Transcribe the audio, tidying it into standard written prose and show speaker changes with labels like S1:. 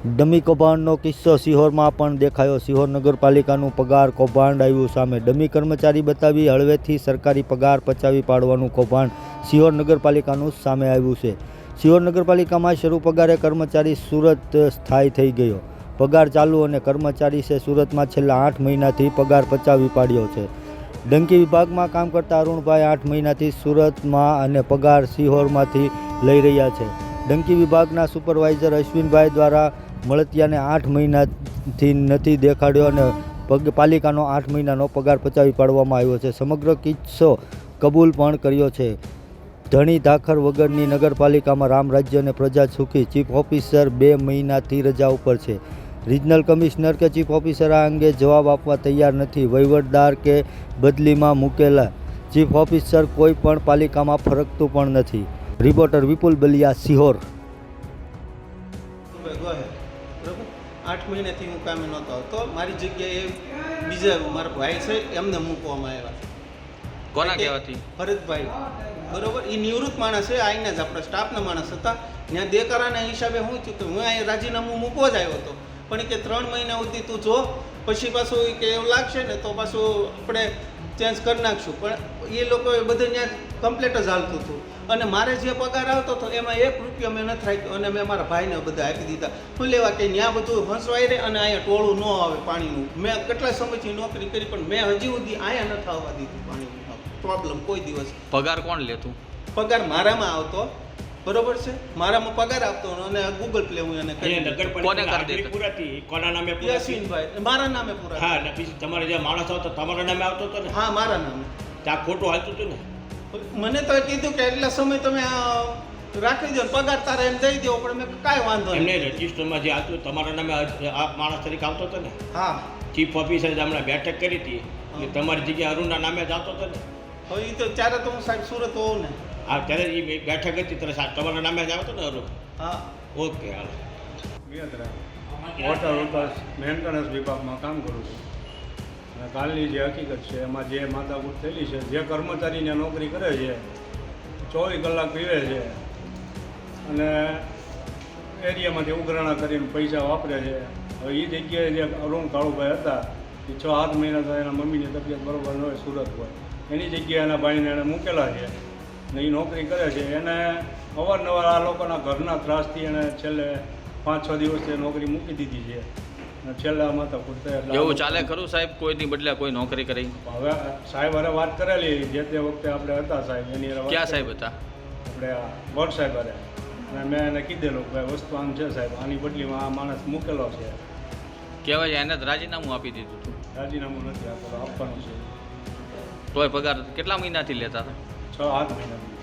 S1: Dummy કૌભાંડનો કિસ્સો સિહોરમાં પણ દેખાયો। સિહોર નગરપાલિકાનું પગાર કૌભાંડ આવ્યું સામે। ડમી કર્મચારી બતાવી હળવેથી સરકારી પગાર પચાવી પાડવાનું કૌભાંડ સિહોર નગરપાલિકાનું સામે આવ્યું છે। સિહોર નગરપાલિકામાં શરૂ પગારે કર્મચારી સુરત સ્થાયી થઈ ગયો। પગાર ચાલુ અને કર્મચારી છે સુરતમાં છેલ્લા 8 મહિનાથી પગાર પચાવી પાડ્યો છે। ડંકી વિભાગમાં કામ કરતા અરુણભાઈ 8 મહિનાથી સુરતમાં અને પગાર સિહોરમાંથી લઈ રહ્યા છે। ડંકી વિભાગના સુપરવાઇઝર અશ્વિનભાઈ દ્વારા મળતિયાને 8 મહિનાથી નથી દેખાડ્યો અને પાલિકાનો 8 મહિનાનો પગાર પચાવી પાડવામાં આવ્યો છે। સમગ્ર કિસ્સો કબૂલ પણ કર્યો છે। ધણી ધાખર વગરની નગરપાલિકામાં રામ રાજ્ય અને પ્રજા સુખી। ચીફ ઓફિસર 2 મહિનાથી રજા ઉપર છે। રિજનલ કમિશનર કે ચીફ ઓફિસર આ અંગે જવાબ આપવા તૈયાર નથી। વહીવટદાર કે બદલીમાં મૂકેલા ચીફ ઓફિસર કોઈ પણ પાલિકામાં ફરકતું પણ નથી। રિપોર્ટર વિપુલ બલિયા, સિહોર।
S2: 8 મહિનાથી હું કામે નહોતો આવતો। મારી જગ્યાએ બીજા મારા ભાઈ છે એમને મૂકવામાં આવ્યા।
S3: કોના કહેવાથી?
S2: ભરતભાઈ, બરોબર। એ નિવૃત્ત માણસ છે, આવીને જ આપણા સ્ટાફના માણસ હતા। ત્યાં દેકારાના હિસાબે હું થયું કે હું અહીંયા રાજીનામું મૂકવા જ આવ્યો હતો, પણ એ કે 3 મહિના સુધી તું જો, પછી પાછું કે એવું લાગશે ને તો પાછું આપણે ચેન્જ કરી નાખશું। પણ એ લોકોએ બધું ત્યાં કમ્પ્લીટ જ હાલતું હતું અને મારે જે પગાર આવતો હતો એમાં 1 રૂપિયો મેં નથી રાખ્યો અને મેં મારા ભાઈને બધા આપી દીધા। શું લેવા કે ત્યાં બધું હંસવાઈ રહે અને અહીંયા ટોળું ન આવે પાણીનું। મેં કેટલા સમયથી નોકરી કરી પણ મેં હજી સુધી અહીંયા નથી આવવા દીધું પાણીનું પ્રોબ્લેમ કોઈ દિવસ।
S3: પગાર કોણ લેતું?
S2: પગાર મારામાં આવતો, બરોબર છે, મારામાં પગાર આવતો અને ગૂગલ પ્લે હું એને કરી
S3: કોને કરી દેતો?
S4: પૂરાતી કોના નામે પૂરાતી?
S2: યાસીનભાઈ, મારા નામે પૂરા।
S4: હા, ને પછી તમારે જે માણસ આવતો તમારા નામે આવતો હતો ને?
S2: હા, મારા નામે।
S4: ત્યાં ખોટું હાલતું હતું ને?
S2: મને તો કીધું કે એટલા સમય તમે રાખી દો, પગાર તારે એમ દઈ દો, પણ મેં કાંઈ વાંધો નહીં।
S4: એમને રજિસ્ટરમાં જે આવતું તમારા નામે આ માણસ તરીકે આવતો હતો ને?
S2: હા,
S4: ચીફ ઓફિસરે હમણાં બેઠક કરી હતી કે તમારી જગ્યાએ અરુણના નામે જ આવતો હતો ને?
S2: હવે એ તો ત્યારે તો હું સાહેબ સુરત હોઉં ને।
S4: હા, ત્યારે એ બેઠક હતી ત્યારે સાહેબ તમારા નામે જ આવતો ને અરુણ?
S2: હા,
S4: ઓકે, હાલ।
S5: વોટર વિકાસ મેન્ટેનન્સ વિભાગમાં કામ કરું છું અને કાલની જે હકીકત છે એમાં જે માથાકૂટ થયેલી છે, જે કર્મચારીને નોકરી કરે છે 24 કલાક પીવે છે અને એરિયામાંથી ઉઘરાણા કરીને પૈસા વાપરે છે। હવે એ જગ્યાએ જે અરુણ કાળુભાઈ હતા એ 6-7 મહિના તો એના મમ્મીની તબિયત બરોબર ન હોય, સુરત હોય, એની જગ્યાએ એના ભાઈને એણે મૂકેલા છે ને એ નોકરી કરે છે। એને અવારનવાર આ લોકોના ઘરના ત્રાસથી એણે છેલ્લે 5-6 દિવસથી નોકરી મૂકી દીધી છે અને છેલ્લા માથાકૂટ થયા।
S3: એવું ચાલે ખરું સાહેબ? કોઈની બદલે કોઈ નોકરી કરી?
S5: હવે સાહેબ હારે વાત કરેલી, જે તે વખતે આપણે હતા સાહેબ એની હારે વાત
S3: ક્યાં સાહેબ હતા?
S5: આપણે આ વડ સાહેબ હારે, અને મેં એને કીધેલું કે વસ્તુ આમ છે સાહેબ, આની બદલીમાં આ માણસ મૂકેલો છે।
S3: કહેવાય એને જ રાજીનામું આપી દીધું હતું?
S5: રાજીનામું નથી આપવાનું છે।
S3: તોય પગાર કેટલા મહિનાથી લેતા હતા?
S5: 6-7 મહિનાથી।